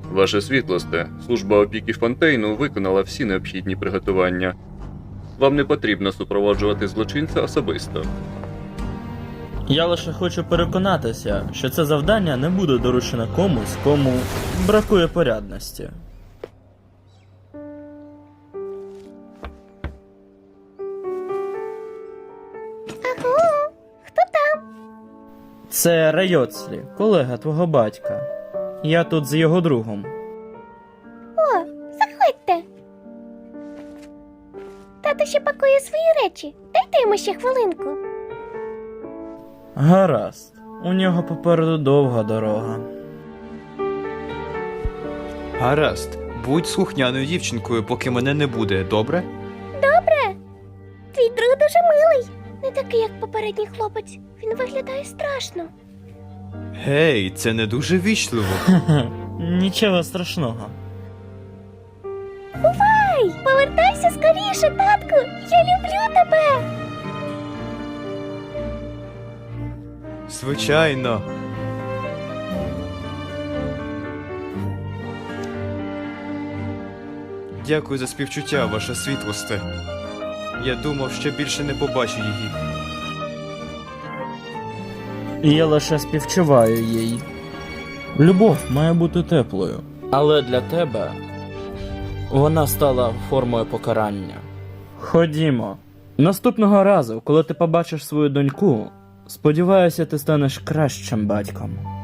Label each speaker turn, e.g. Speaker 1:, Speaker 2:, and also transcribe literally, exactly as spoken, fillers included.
Speaker 1: Ваше світлосте, служба опіки Фонтейну виконала всі необхідні приготування. Вам не потрібно супроводжувати злочинця особисто.
Speaker 2: Я лише хочу переконатися, що це завдання не буде доручено комусь, кому бракує порядності.
Speaker 3: Аго, хто там?
Speaker 2: Це Райоцлі, колега твого батька. Я тут з його другом.
Speaker 3: О, заходьте. Тато ще пакує свої речі. Дайте йому ще хвилинку.
Speaker 2: Гаразд, у нього попереду довга дорога.
Speaker 4: Гаразд, будь слухняною дівчинкою, поки мене не буде, добре?
Speaker 3: Добре. Твій друг дуже милий. Не такий, як попередній хлопець. Він виглядає страшно.
Speaker 4: Гей, це не дуже вічливо.
Speaker 2: Хе-хе, нічого страшного.
Speaker 3: Бувай! Повертайся скоріше, татку! Я люблю тебе!
Speaker 4: Звичайно. Дякую за співчуття, ваше світлосте. Я думав, що більше не побачу її.
Speaker 2: І я лише співчуваю їй. Любов має бути теплою. Але для тебе вона стала формою покарання. Ходімо. Наступного разу, коли ти побачиш свою доньку, сподіваюся, ти станеш кращим батьком.